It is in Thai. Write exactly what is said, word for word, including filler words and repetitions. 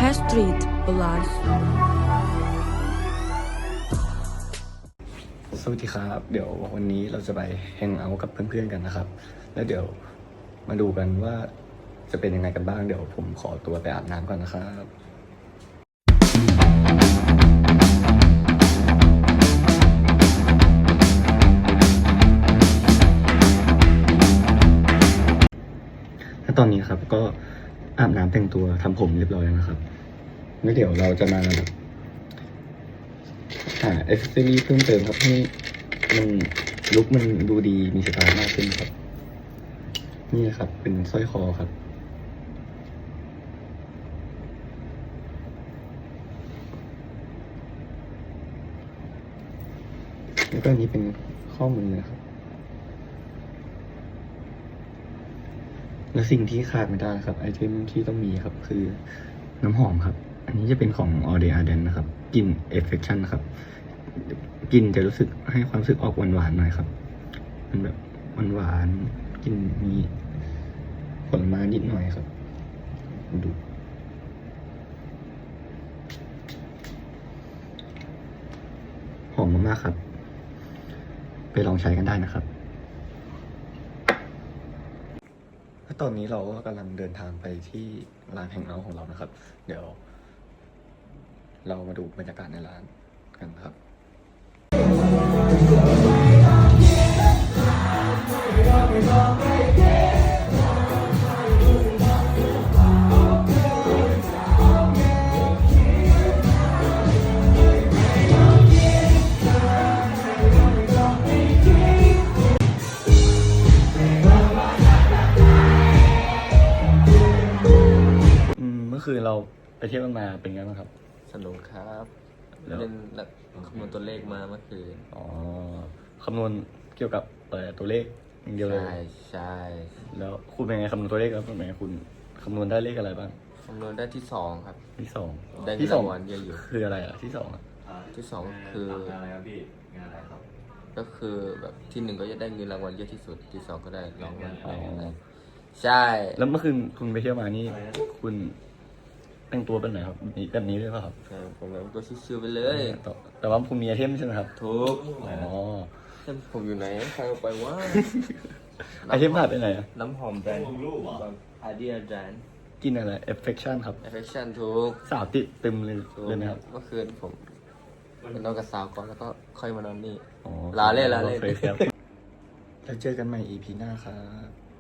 Street Balance สวัสดีครับเดี๋ยววันนี้เราจะไปแฮงเอาท์กับเพื่อนๆกันนะครับแล้วเดี๋ยวมาดูกันว่าจะเป็นยังไงกันบ้างเดี๋ยวผมขอตัวไปอาบน้ำก่อนนะครับและตอนนี้ครับก็อาบน้ำแต่งตัวทำผมเรียบร้อยแล้วนะครับแล้วเดี๋ยวเราจะมาแบบหาเอเซอรี่เพิ่มเติมครับให้มันลุคมันดูดีมีสไตล์มากขึ้นครับนี่นะครับเป็นสร้อยคอครับแล้วก็อันนี้เป็นข้อมือนะครับและสิ่งที่ขาดไม่ได้ครับไอเทมที่ต้องมีครับคือน้ำหอมครับอันนี้จะเป็นของ All Day Arden นะครับกลิ่น Affection นะครับกลิ่นจะรู้สึกให้ความรู้สึกออกหวานๆหน่อยครับมันแบบหวานๆกลิ่นมีผลไม้นิดหน่อยครับดูหอมมากๆครับไปลองใช้กันได้นะครับและตอนนี้เราก็กำลังเดินทางไปที่ร้านแฮงเอาท์ของเรานะครับเดี๋ยวเรามาดูบรรยากาศในร้านกันครับเมื่อคืนเราไปเที่ยวกันมาเป็นไงบ้างครับสนุกครับแล้วเล่นหลักคำนวณตัวเลขมาเมื่อคืนอ๋อคำนวณเกี่ยวกับตัวเลขอย่างเดียวเลยใช่ใช่แล้วคุณเป็นไงคำนวณตัวเลขครับเป็นไงคุณคำนวณได้เลขอะไรบ้างคำนวณได้ที่สองครับที่สองได้เงินที่สองรางวัลเยอะอยู่คืออะไรอ่ะที่สองอ่ะที่สองคืออะไรครับพี่งานอะไรครับก็คือแบบที่หนึ่งก็จะได้เงินรางวัลเยอะที่สุดที่สองก็ได้รางวัลอ๋อใช่แล้วเมื่อคืนคุณไปเที่ยวมานี่คุณแต่งตัวเป็นไหนครับนี่แบบนี้ด้วยป่ะครับใช่ผมแบบก็ชิวๆไปเลยแต่แต่ว่าคุณมีไอเทมใช่ไหมครับทุกอ๋อเช่นผมอยู่ไหนใครเอาไปว่าไอเทมหายไปไหนอ่ะน้ำหอมแบรนด์อาเดียแบรนด์กินอะไร affection ครับ Affection ทุกสาวติดตึมเลยทุกเลยนะครับเมื่อคืนผมไปนอนกับสาวก่อนแล้วก็ค่อยมานอนนี่อ๋อลาเล่นลาเล่นโอคครับแล้วเจอกันใหม่ อี พี หน้าครับ